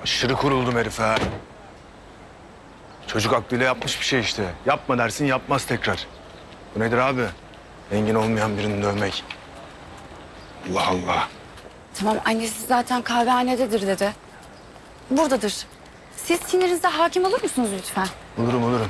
Aşırı kuruldum herife. Çocuk aklıyla yapmış bir şey işte. Yapma dersin yapmaz tekrar. Bu nedir abi? Engin olmayan birini dövmek. Allah Allah. Tamam, annesi zaten kahvehanededir dedi. Buradadır. Siz sinirinize hakim olur musunuz lütfen? Olurum.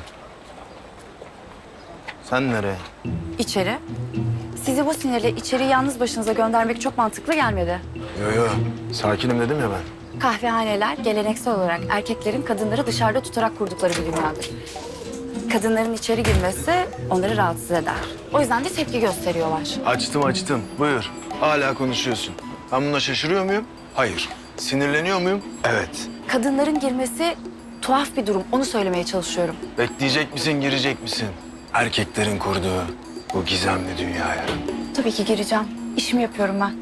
Sen nereye? İçeri. Sizi bu sinirle içeri yalnız başınıza göndermek çok mantıklı gelmedi. Yo. Sakinim dedim ya ben. Kahvehaneler geleneksel olarak erkeklerin kadınları dışarıda tutarak kurdukları bir dünyadır. Kadınların içeri girmesi onları rahatsız eder. O yüzden de tepki gösteriyorlar. Açtım. Buyur. Hala konuşuyorsun. Ben buna şaşırıyor muyum? Hayır. Sinirleniyor muyum? Evet. Kadınların girmesi tuhaf bir durum. Onu söylemeye çalışıyorum. Bekleyecek misin, girecek misin? Erkeklerin kurduğu bu gizemli dünyaya. Tabii ki gireceğim. İşimi yapıyorum ben.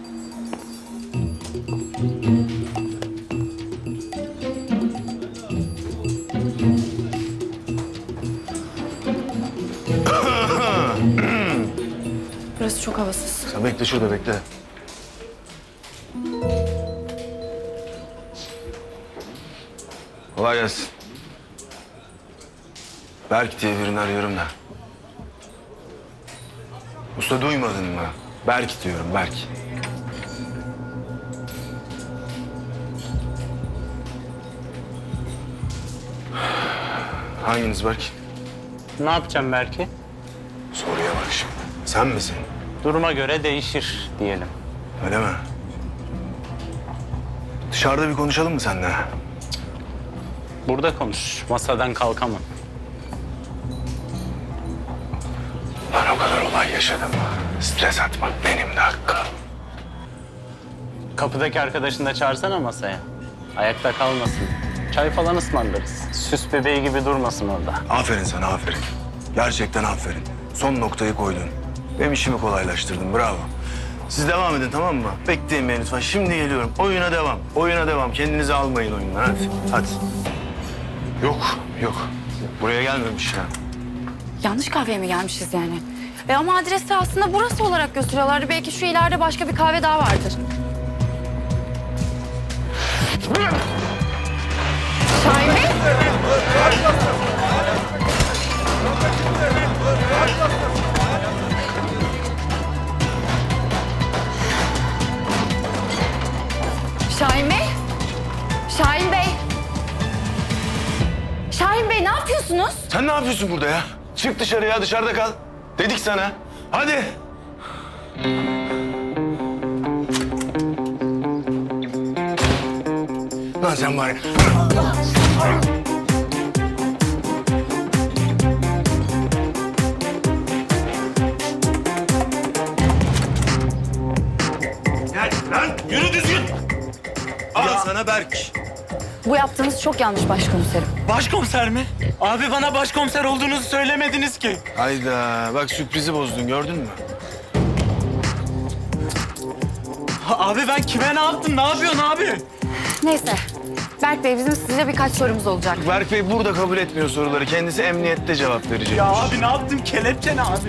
Burası çok havasız. Sen bekle şurada bekle. Kolay gelsin. Berk diye birini arıyorum da. Usta duymadın mı? Berk diyorum, Berk. Hanginiz Berk? Ne yapacağım belki? Soruya bak şimdi. Sen misin? Duruma göre değişir diyelim. Öyle mi? Dışarıda bir konuşalım mı seninle? Burada konuş. Masadan kalkamam. Ben o kadar olay yaşadım. Stres atmak benim de hakkım. Kapıdaki arkadaşını da çağırsana masaya. Ayakta kalmasın. Çay falan ısmarlarız. Süs bebeği gibi durmasın orada. Aferin sana, aferin. Gerçekten aferin. Son noktayı koydun. Benim işimi kolaylaştırdın, bravo. Siz devam edin, tamam mı? Bekleyin beni lütfen. Şimdi geliyorum. Oyuna devam. Kendinizi almayın oyundan, hadi. Yok. Buraya gelmemiş ya. Yanlış kahveye mi gelmişiz yani? Ama adresi aslında burası olarak gösteriyorlardı. Belki şu ileride başka bir kahve daha vardır. Şahin Bey? Şahin Bey? Şahin Bey? Şahin Bey ne yapıyorsunuz? Sen ne yapıyorsun burada ya? Çık dışarıya, dışarıda kal. Dedik sana. Hadi. Lan sen var ya. Gel lan, yürü düzgün. Al sana Berk. Bu yaptığınız çok yanlış başkomiserim. Başkomiser mi? Abi bana başkomiser olduğunuzu söylemediniz ki. Hayda, bak sürprizi bozdun, gördün mü? Abi ben kime ne yaptım? Ne yapıyorsun abi? Neyse. Berk Bey bizim size birkaç sorumuz olacak. Berk Bey burada kabul etmiyor soruları. Kendisi emniyette cevap verecek. Ya abi ne yaptım? Kelepçe ne abi?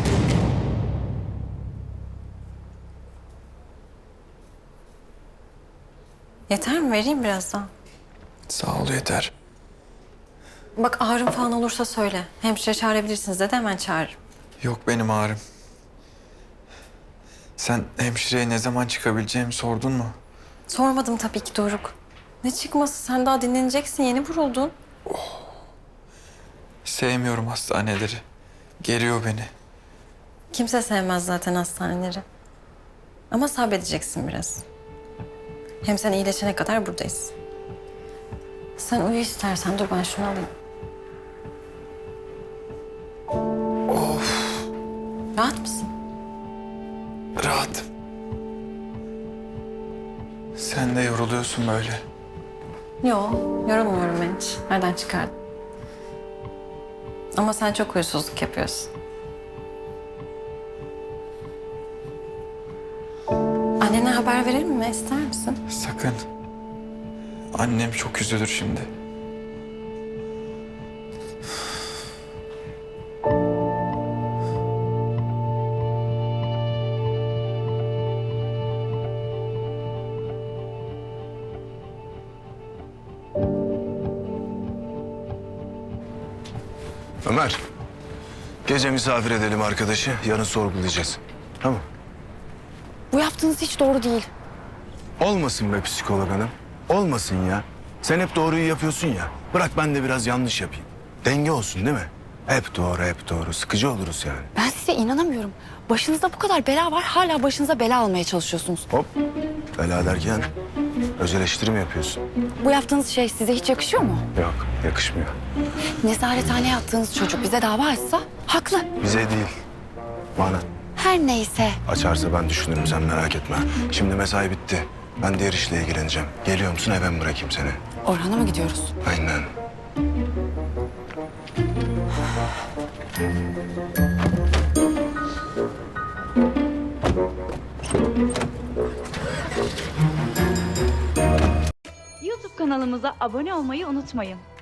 Yeter mi? Vereyim biraz daha. Sağ ol yeter. Bak ağrım falan olursa söyle. Hemşire çağırabilirsiniz de hemen çağırırım. Yok benim ağrım. Sen hemşireye ne zaman çıkabileceğimi sordun mu? Sormadım tabii ki Doruk. Ne çıkması? Sen daha dinleneceksin. Yeni vuruldun. Sevmiyorum hastaneleri. Geriyor beni. Kimse sevmez zaten hastaneleri. Ama sabredeceksin biraz. Hem sen iyileşene kadar buradayız. Sen uyu istersen. Dur ben şunu alayım. Rahat mısın? Rahatım. Sen de yoruluyorsun böyle. Yok, yorulmuyorum ben hiç. Nereden çıkardın? Ama sen çok huysuzluk yapıyorsun. Annene haber verelim mi? İster misin? Sakın. Annem çok üzülür şimdi. Ömer, gece misafir edelim arkadaşı. Yarın sorgulayacağız. Tamam. Bu yaptığınız hiç doğru değil. Olmasın be psikolog hanım. Olmasın ya. Sen hep doğruyu yapıyorsun ya. Bırak ben de biraz yanlış yapayım. Denge olsun değil mi? Hep doğru, hep doğru. Sıkıcı oluruz yani. Ben size inanamıyorum. Başınızda bu kadar bela var, hala başınıza bela almaya çalışıyorsunuz. Hop. Bela derken öz eleştiri mi yapıyorsun? Bu yaptığınız şey size hiç yakışıyor mu? Yok, yakışmıyor. Nezarethaneye attığınız çocuk bize dava açsa haklı. Bize değil, bana. Her neyse. Açarsa ben düşünürüm, sen merak etme. Şimdi mesai bitti. Ben diğer işle ilgileneceğim. Geliyor musun, eve mi bırakayım seni? Orhan'a mı gidiyoruz? Aynen. YouTube kanalımıza abone olmayı unutmayın.